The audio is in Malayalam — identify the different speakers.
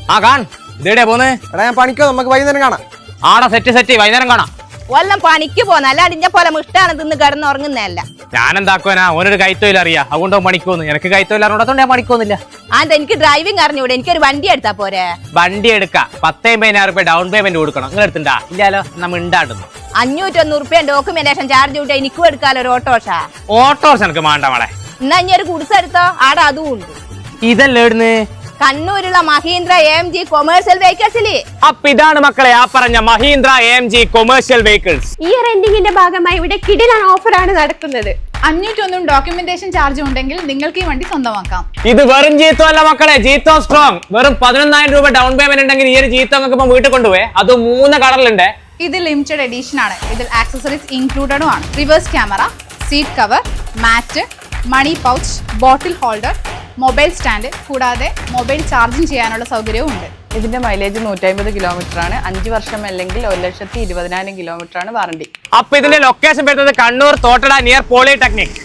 Speaker 1: ആ കാൺ ഇതേടെ പോന്ന്.
Speaker 2: എടാ ഞാൻ പണിക്കോ, നമുക്ക് വൈകുന്നേരം കാണാം.
Speaker 1: ആടാ സെറ്റ് വൈകുന്നേരം കാണാം.
Speaker 3: വല്ലം പണിക്ക് പോന്ന അല്ല അടിഞ്ഞ പോലെ മിഷ്ടാണ് തിന്ന് കിടന്ന് ഉറങ്ങുന്നതല്ല.
Speaker 1: ഞാനെന്താക്കുവാനാ, ഓനൊരു കൈത്തൊഴിൽ അറിയാം, അതുകൊണ്ടോ പണിക്കോന്ന്. എനിക്ക് കൈത്തൊഴിൽ അറിഞ്ഞോടത്തോണ്ട് ഞാൻ പണിക്കൊന്നുമില്ല.
Speaker 3: അതെന്താ എനിക്ക് ഡ്രൈവിംഗ് അറിഞ്ഞൂടെ? എനിക്കൊരു വണ്ടി എടുത്താ പോരെ?
Speaker 1: വണ്ടി എടുക്കാം, 10,000 ഡൗൺ പേയ്മെന്റ് കൊടുക്കണം. നിങ്ങൾ എടുത്തിണ്ടാ? ഇല്ലാലോ, നമ്മ ഉണ്ടാടുന്നു.
Speaker 3: 501 ഡോക്യുമെന്റേഷൻ ചാർജ് കൂട്ടി എനിക്കും എടുക്കാലോ ഒരു ഓട്ടോഷ.
Speaker 1: ഓട്ടോസ് എനിക്ക് വേണ്ട മോളെ.
Speaker 3: എന്നാ ഇനി ഒരു കുടിസ് എടുത്തോ, ആടെ അതും ഉണ്ട്.
Speaker 1: ഇതല്ലേ ഇടുന്ന്?
Speaker 3: കണ്ണൂരുള്ള മഹീന്ദ്ര AMG കൊമേഴ്സ്യൽ വെഹിക്കിൾസില്.
Speaker 1: അപ്പൊ ഇതാണ് മക്കളെ ആ പറഞ്ഞ മഹീന്ദ്ര AMG കൊമേഴ്സ്യൽ വെഹിക്കിൾസ്.
Speaker 4: ഈ റെന്റിങ്ങിന്റെ ഭാഗമായി ഇവിടെ കിടിലൻ ഓഫറാണ് നടക്കുന്നത്.
Speaker 5: 501 ഡോക്യുമെന്റേഷൻ ചാർജ് ഉണ്ടെങ്കിൽ നിങ്ങൾക്ക് ഈ വണ്ടി സ്വന്തമാക്കാം.
Speaker 1: ഇത് വെറും ജീത്തോ അല്ല മക്കളെ, ജീത്തോ സ്ട്രോങ്. വെറും 11,000 രൂപ ഡൗൺ പേയ്മെന്റ് ഉണ്ടെങ്കിൽ ഈ ഒരു ജീത്തോ നിങ്ങൾക്ക് ഇപ്പൊ വീട്ടിൽ കൊണ്ടുപോയി. അത് 3 കളറിലുണ്ട്.
Speaker 5: ഇത് ലിമിറ്റഡ് എഡിഷൻ ആണ്. ഇതിൽ ആക്സസറീസ് ഇൻക്ലൂഡഡും ആണ്. Reverse camera, seat cover, mat, money pouch, bottle holder, mobile stand കൂടാതെ മൊബൈൽ ചാർജിങ് ചെയ്യാനുള്ള സൗകര്യവും ഉണ്ട്.
Speaker 6: ഇതിന്റെ മൈലേജ് 150 കിലോമീറ്റർ ആണ്. 5 വർഷം അല്ലെങ്കിൽ 1,20,000 കിലോമീറ്റർ ആണ് വാറണ്ടി.
Speaker 1: അപ്പൊ ഇതിന്റെ ലൊക്കേഷൻ വരുന്നത് കണ്ണൂർ തോട്ടട നിയർ പോളിടെക്നിക്.